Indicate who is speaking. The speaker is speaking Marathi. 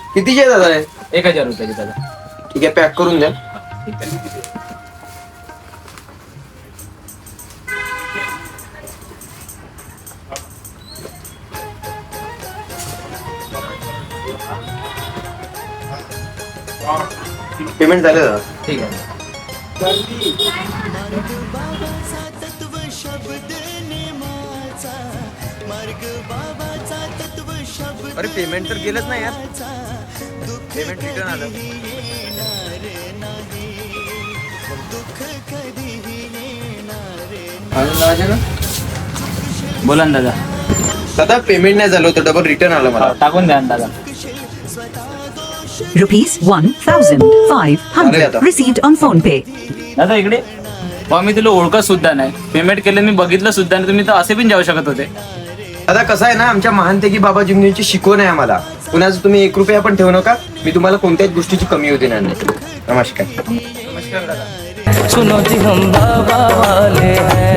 Speaker 1: कितीचे दादा आहे?
Speaker 2: 1000 रुपयाची दादा.
Speaker 1: ठीक आहे, पॅक करून द्या.
Speaker 2: ठीक आहे.
Speaker 1: पेमेंट झालं दादा.
Speaker 2: ठीक आहे.
Speaker 1: अरे पेमेंट तर केलंच नाही यार. पेमेंट रिटर्न आलं.
Speaker 2: बोला ना दादा.
Speaker 1: दादा पेमेंट नाही झालं होतं, डबल रिटर्न आलं मला.
Speaker 2: टाकून द्या ना दादा.
Speaker 3: Rupees 1,500 received on phone pay.
Speaker 2: दादा इकडे. मी तुला ओळखत सुद्धा नाही, पेमेंट केलं मी बघितलं सुद्धा नाही, तुम्ही तर असे पण जाऊ शकत होते.
Speaker 1: दादा कसं आहे ना, आमच्या महानतेकी बाबा जिमनीची शिकवण आहे आम्हाला. कुणाचं तुम्ही 1 रुपया पण ठेवू नका. मी तुम्हाला कोणत्याच गोष्टीची कमी होते नाही. नमस्कार.
Speaker 2: नमस्कार दादा.
Speaker 4: सुनो जी हम बाबा वाले हैं.